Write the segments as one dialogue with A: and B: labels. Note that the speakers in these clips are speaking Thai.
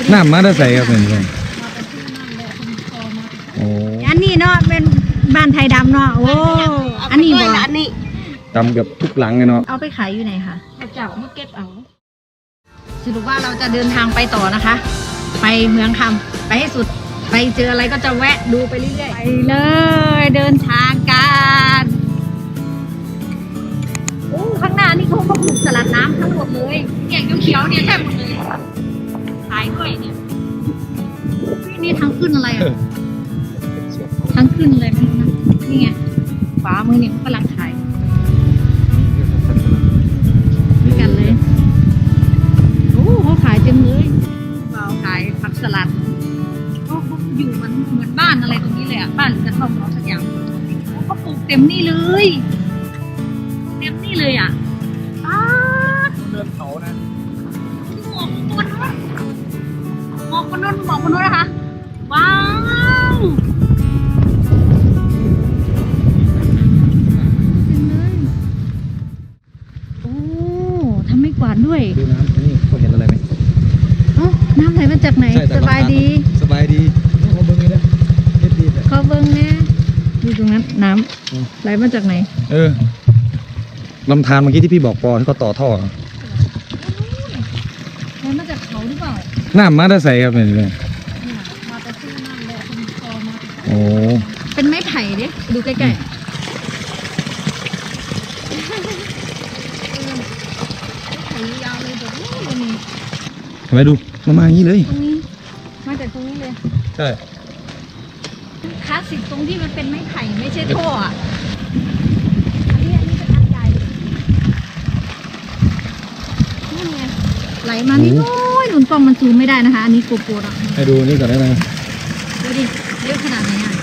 A: น้ำมาได้ใส่ครับเป็นไงโอ้
B: อันนี้เนาะเป็นบ้านไทยดำเนาะโอ้อันนี้บ่อันนี้
A: ดำกับทุกหลังเลยเนาะ
B: เอาไปขายอยู่ไหนคะเจ้ามาเก็บเอาสรุปว่าเราจะเดินทางไปต่อนะคะ ไปเมืองคำไปให้สุดไปเจออะไรก็จะแวะดูไปเรื่อยๆไปเลยเดินทางกันโอ้ข้างหน้านี่เขาก็ปลูกสลัดน้ำทั้งหมดเลยเนี่ยเขียวๆเนี่ยใช่หมดเลยขายด้วยเนี่ยนี่ทางขึ้นอะไรอ่ะทางขึ้นเลยไม่รู้นะนี่ไงขวามือเนี่ยกำลังขายนี่กันเลยโอ้เขาขายเต็มเลยเราขายผักสลัดก็อยู่มันเหมือนบ้านอะไรตรงนี้เลยอ่ะบ้านหรือกระท่อมเราสักอย่างเขาปลูกเต็มนี่เลยเต็มนี่เลยอ่ะ
A: เดินเขานะ
B: หมอกบนนู้นหมอกบนนู้นนะคะว้าวโอ้ทำไม่กวาดด้วย
A: ดูน้ำนี่เขาเห็นอะไรไหม
B: น้ำไหลมาจากไหนสบายดี
A: สบายดีเขาเบิ้งเลยนะเด็ดดีเลย
B: เขาเบิ้งนะดูตรงนั้นน้ำไหลมาจากไหน
A: ลำธารเมื่อกี้ที่พี่บอกปอที่เขาต่อท่อ
B: ไหลมาจากเขาหรือเปล่า
A: น้ำมาได้ใส่ครับเป็นไง
B: มาแต่ซื้อน้ำเลยคุณคอมา
A: โอ้
B: เป็นไม้ไผ่ดิดูใกล้ๆไม้ไผ่ยาวเลยแบบนี้
A: ทำไมดูมาอย่างนี้เลย
B: ตรงนี้มาจากตรงนี้เลย
A: ใช่
B: คลาสสิกตรงที่มันเป็นไม้ไผ่ไม่ใช่ท่ออ่ะอันนี้เป็นอันใหญ่นี่ไงไหลมานี่น้อยหนุนกล้องมันซูมไม่ได้นะคะอันนี้โกโปรอ่ะ
A: ให้ดูนี่ก่อนได้ไหม
B: ดูดิเยอะขนาดไหนอ่ะ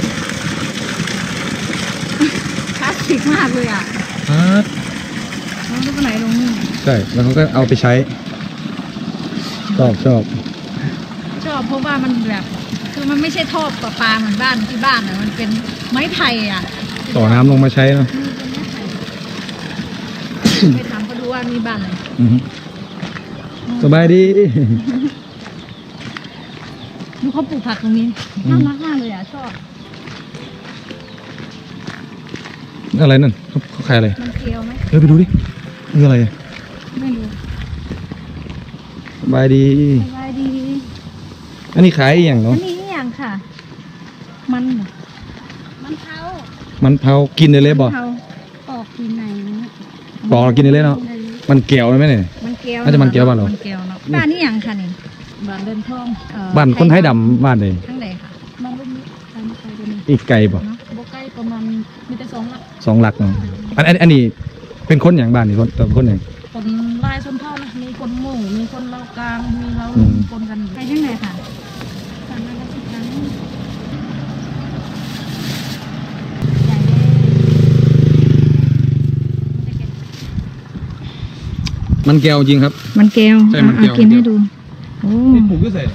B: คลาสสิกมากเลยอ่ะแล้วก็ไหลลงนี่
A: ใช่แล้วเขาก็เอาไปใช้ชอบ
B: เพราะว่ามันแบบคือมันไม่ใช่ท่อประปาเหมือนบ้านที่บ้านอ่ะมันเป็นไม้ไผ่อ่ะ
A: ต่อน้ำลงมาใช้เนาะ
B: ไปถามเขาดูว่ามีบ้านอะไร
A: สบายดี
B: ดูเขาปลูกผักตรงนี้น่ารักมากเลยอ่ะชอบ
A: อะไรนั่นเขาขายอะไร
B: มันเกลียวไหม
A: ไปดูดินี่อะไร
B: ไม่รู้
A: สบายดีอันนี้ขายอย่างเนาะ
B: อันนี้อย่างค่ะมัน
A: เผากินได้เลยบ่
B: ปอกกินไหน
A: ปอกกินได้เลยเนาะมันเกลียวไหมเนี่ย
B: มันเกลียว
A: น่าจะมันเกลียวบ้านเรา
B: บ้านนี่อย่างค่ะนี่บ้านเดินท่อง
A: บ้านคนไทยดำบ้านเลย
B: ทั้งไหนค่ะบ้านรุ่นนี้
A: อีกไกลบ่
B: ไกลประมาณมีแต่
A: 2 หลักเนาะอันนี้เป็นคนอย่างบ้านนี่คนอย่าง
B: คนลายชนเผ่านะมีคนหมู่มีคนเรากลางมีเราคนกันไปที่ไหนค่ะ
A: มันแก้วจริงครับ
B: มันแก้ว
A: ใช่มันแก้ว
B: กินให้ดูโอ้
A: ปลูกก็ใส่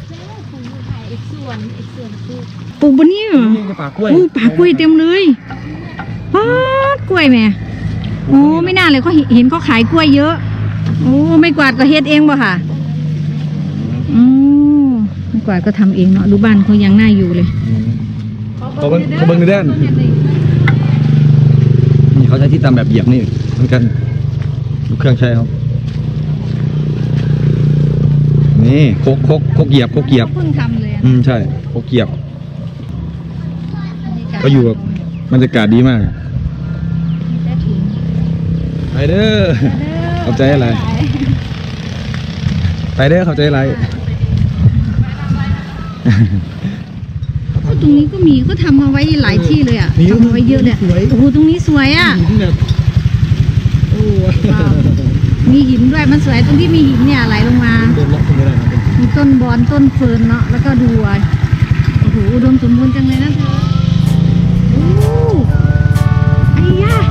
B: ปลูกบนนี้เหรอ
A: ป่ากล้วย
B: ป่ากล้วยเต็มเลยกล้วยแม่โอ้ไม่น่าเลยเขาเห็นเขาขายกล้วยเยอะโอ้ไม่กวาดก็เฮ็ดเองป่ะค่ะไม่กวาดก็ทำเองเนาะดูบ้านเขายังน่าอยู่เลย
A: เขาเบิ้งในด้านนี่เขาใช้ที่ตำแบบเหยียบนี่เหมือนกันดูเครื่องใช้เขานี่โคกเหยียบ
B: เพิ่งทำเลย
A: ใช่โคกเหยียบก็อยู่แบบบรรยากาศดีมากไปเด้อเข้าใจอะไรไปเด้อเข้าใจอะไร
B: ตรงนี้ก็มีก็ทำมาไว้หลายที่เลยอ่ะทำมาไว้เยอะเลยโอ้โหตรงนี้สวยอ่ะมีหินด้วยมันสวยตรงที่มีหินเนี่ยไหลลงมามีต้นบอนต้นเฟิร์นเนาะแล้วก็ดูโอ้โหอุดมสมบูรณ์จังเลยนะเธอโอ้ไอ้ย่า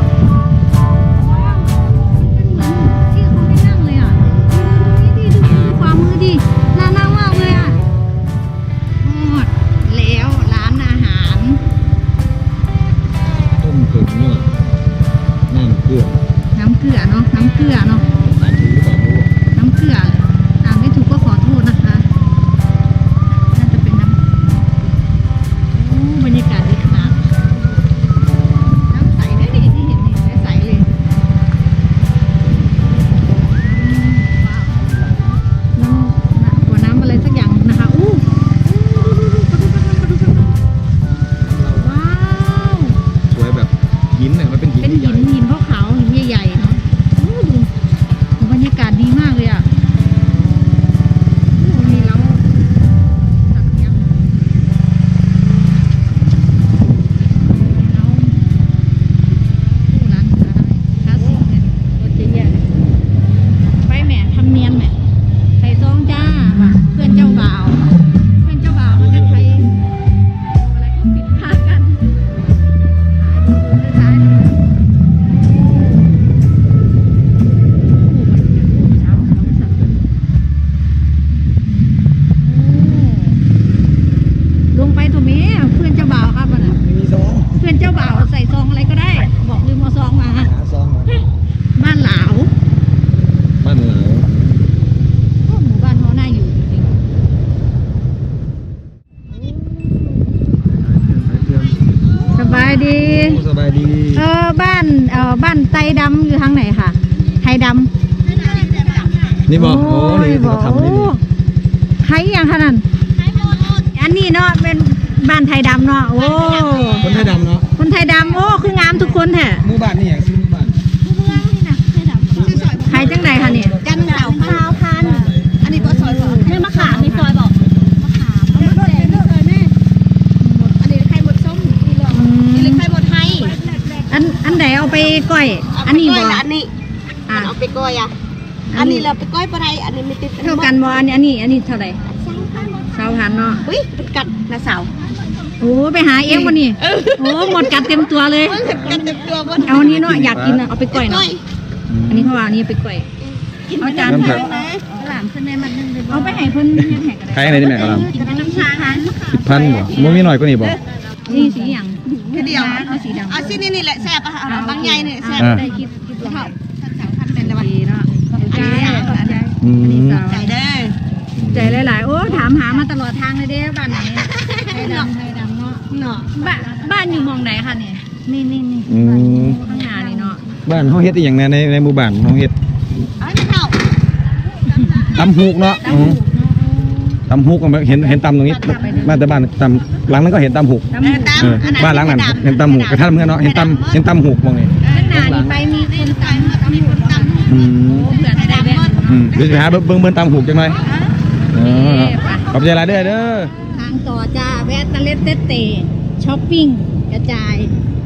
B: ที่เขาไม่นั่งเลยอ่ะนี่ดูความมือดิน่านั่งมากเลยอ่ะหมดแล้วร้านอาหาร
A: ต้มตุ๋นเนื้อน้ำเกลือ
B: เนาะน้ำเกลืออ่านไม่ถูกก็ขอโทษนะคะบ้านไตดำอยู่ทางไหนค่ะ ไทยดำ
A: นี่บอกโอ้นี่ที่เขาทำนี่นี่
B: ไทยอย่างขนาดอันนี้เนาะเป็นบ้านไทยดำเนาะโอ้
A: คนไทยดำเนาะ
B: คนไทยดำโอ้คืองามทุกคนแท้
A: หมู่บ้านนี่อย่างชื่อหมู่บ้าน
B: ไทยจังไหนคะเนี่ย
C: จันเสาพาวพันอันนี้ก็ซอยก่อนนี่มะขามในซอยบอกมะขามอันนี้ไข่หมดส้มนี่เลยไข่หมดไทย
B: อันไหนเอาไปก้อย อันนี้บ่
C: อันนี้เอาไปก้อยอ่ะอันนี้เราไปก้อยปลาไรอันนี้ไม่ติด
B: เท่ากันบ่อันนี้เท่าไหร่2,000เนาะ
C: อุ้ยเป็นกัดนะสาว
B: โอ้ไปหาเองวันนี้โอ้หมดกัดเต็มตัวเลย
C: กัดเต็มตัวบน
B: เอาอันนี้เนาะอยากกินอะเอาไปก้อยเนาะอันนี้เขาว่าอันนี้ไปก้อยเอาจาน
A: น้ำผัก
C: หลามขึ้นในมันนึงเลย
B: เอาไปให้เพิ่นเฮ็ดแหกกัน
A: ใครอะไรนี่แม่กำลัง
C: กินน้ำชาหัน
A: 10,000บ่มันมีหน่อยกว่านี้บ่
B: นี่สีหยัง
C: แค่เดียว
B: เอาสีดำ
C: เอาสีนี่แหละแซ่บอ่ะบางใหญ่เนี่ยแซ่บ
B: ได้คิดว่า
C: เท่าสาวพันเป็นละวัน
B: ดีเนาะขอบใจ
A: อื
B: อันนี้
A: ม
B: สาว
C: ใจเด้อ
B: ใจหลายๆโอ้ถามหามาตลอดทางเลยเด้บ้านไหนไทยดำเนาะ
C: เนาะ
B: บ้านอยู่หมองไหนคะเนี่ยนี่
A: อืม
B: ข้างหน้านี่เนาะ
A: บ้านเฮาเฮ็ดอีหยังแน่ในหมู่บ้านเฮาเฮ็ด
C: เอาไม่เท่า
A: ตำฮูกเนาะอืมตำฮูกก็เห็นตำตรงนี้บ้านแต่บ้านตำหลังนั้นก็เห็นตำฮูก
B: ตำหมู
A: เออบ้านหลังนั้นเห็นตำฮูกกระทั่งเมื่อเนาะเห็นตำฮูกมองนี่
B: ข้างหน้านี่ไปมีคนตำหมูตำ
A: อืม
B: เผื่อได้แบ่ง
A: เดี๋ยวจะไปหาเบิ่งตำฮูกจังหน่อยขอบใจหลายเด้อ
B: ทางต่อจ้าแวะตะเล็ดเตเตช้อปปิ้งกระจาย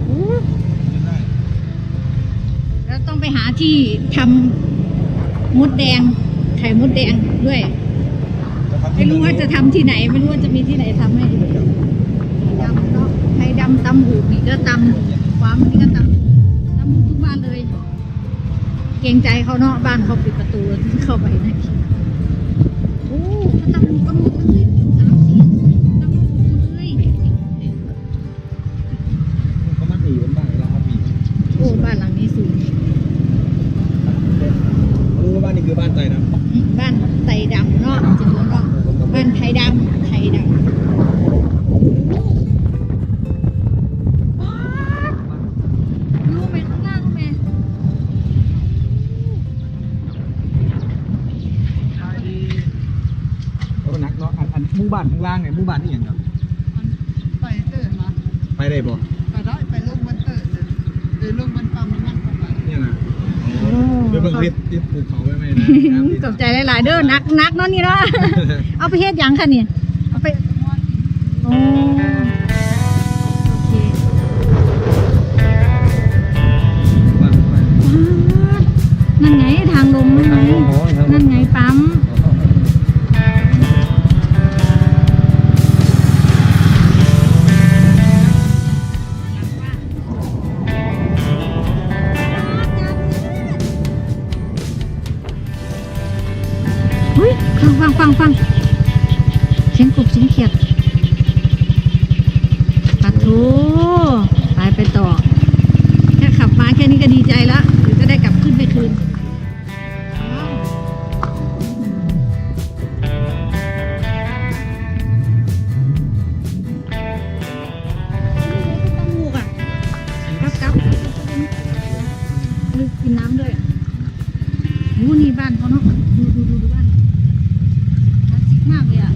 B: แล้วต้องไปหาที่ทำมดแดงไข่มดแดงด้วย ไม่รู้ว่าจะทำที่ไหน ไม่รู้ว่าจะมีที่ไหนทำให้ดำเนาะไข่ดำตำหูกนี่ก็ตำความนี่ก็ตำหูกทุกบ้านเลย เกรงใจเขาเนาะบ้านเขาปิดประตูเข้าไปนะโอ้เขาตำหูกันหมดเลย3-4ตำหูหมดเลย
A: เขามักมีอยู่บ้านเวลาเขามี
B: โอ้บ้านหลังนี้สูง
A: รู้ว่าบ้านนี้คือบ้านใจนะ
B: บ้านไทยดำเนาะจริงๆแล้วเนาะบ้านไทยดำรู้ไหมข้างล่างรู้ไหม
A: ก็นักเนาะอันหมู่บ้านข้างล่างไงหมู่บ้านนี่อย่างครับ
C: ไปเติร์มา
A: ไปได้บ่
C: ไปได้ไปลูกมันเติร์เลยหรือลูกมันปั๊มมันนั่งเข้าไป
A: เนี่ยนะเดี๋ยวเบิ่งคลิปที่ปลูกเขาไว้ไหมนะ
B: ตกใจหลายๆเด้อนักเนาะนี่เนาะ เอาไปเฮ็ดหยังคะเนี่ยเอาไปโอ้โอเคนั่นไงทางลงนั่นไงปั๊มเฮ้ยฟังเสียงกบเสียงเขียดปัดโถไปต่อแค่ขับมาแค่นี้ก็ดีใจแล้วเดี๋ยวจะได้กลับขึ้นไปคืนต้องมูกอ่ะกับกินน้ำด้วยอ่ะโอ้นี่บ้านเขาเนาะดูบ้านคลาสสิกมากเลยอ่ะ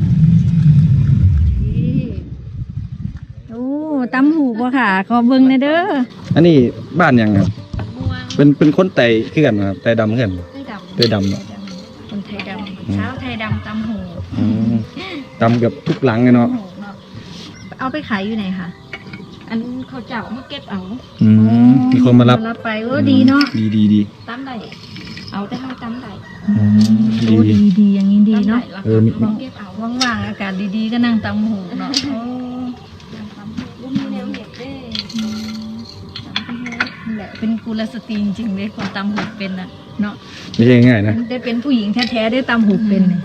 B: โอ้ตำหูกว่ะค่ะ ขอเบิ่งหน่อยเด้อ
A: อันนี้บ้านยังครับ
B: ม่วง
A: เป็นคนไต่ขึ้นกันครับไต่ดำขึ้น
B: ไทยดำ
A: ไต่ดำเนาะ
B: คนไทยดำเช้าไทยดำตำหู
A: อืมดำเกับทุกหลังเลยเนาะ
B: เอาไปขายอยู่ไหนคะอันเขาเจ้ามาเก็บเอา
A: อืมมีคนมารับ
B: ไปดีเนาะ
A: ดี
C: ตั้มได้เอาแต่ให้ตั้มได้
B: โอ้ดีอย่างนี้ดีเนาะ
A: เออมี
C: เก็บเอา
B: ว่างๆอากาศดีๆก็นั่งตำหูเนาะโอ้
C: ลูกมีแนวเห็ดเด้
B: นั่นแหละเป็นกุลสตรีจริงๆเลยคนตำหูเป็นน่ะเนาะ
A: ไม่ใช่ง่ายๆนะ
B: ได้เป็นผู้หญิงแท้ๆได้ตำหูเป็นเนี่ย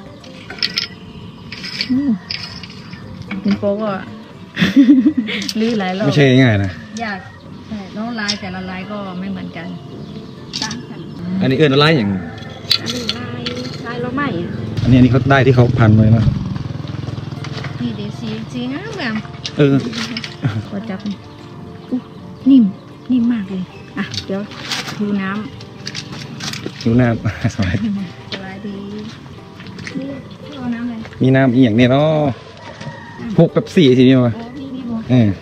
B: เป็นโป๊กอ่ะ ลื้อหลายรอบ
A: ไม่ใช่ง่ายๆนะ
B: ยากใช่แล้วลายแต่ละลายก็ไม่เหมือนกัน
C: ตั้งกัน
A: อันนี้เอิ้นอะไรอย่าง
C: อันนี้ลายเราไหม
A: อันนี้เขาได้ที่เขาพันไว้เนาะ
B: นี่เดี๋ยวสีงามงาม
A: เออ
B: ก็จับนี่อู้นิ่มมากเลยอ่ะเดี๋ยวหิวน้
A: หิวน้ำ สบาย
B: ำสบายดีนี่เอาน้ำเลย
A: มีน้ำอีกอย่างเนี่ยเนาะพกเป๊ปซี่ทีนี้มา
B: โอ้พี่บัว
A: เออ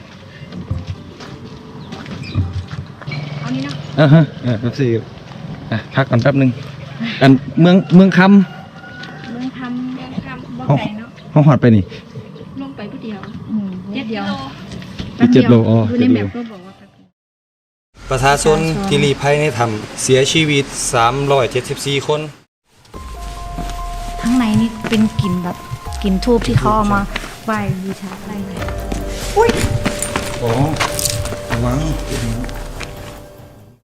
B: เอานี่เนาะ
A: เป๊ปซี่พักก่อนแป๊บหนึงอันเมืองค
B: เรื่องทำบ่
A: ำ
B: ไก่เนาะ
A: ห้องหอดไปนี่
B: ลงไปผู้เดียวเจ็ดเดียว
A: อีก7 โลอ๋อ
B: ดูในแมปก็บอกว่าแป๊บเดียว
A: ประชาชนที่ลี้ภัยในถ้ำเสียชีวิต374 คน
B: ข้างในนี่เป็นกลิ่นแบบกลิ่นทูบที่เขาเอามาไหว้บูชาอะไรเลย
A: อ๋อระวัง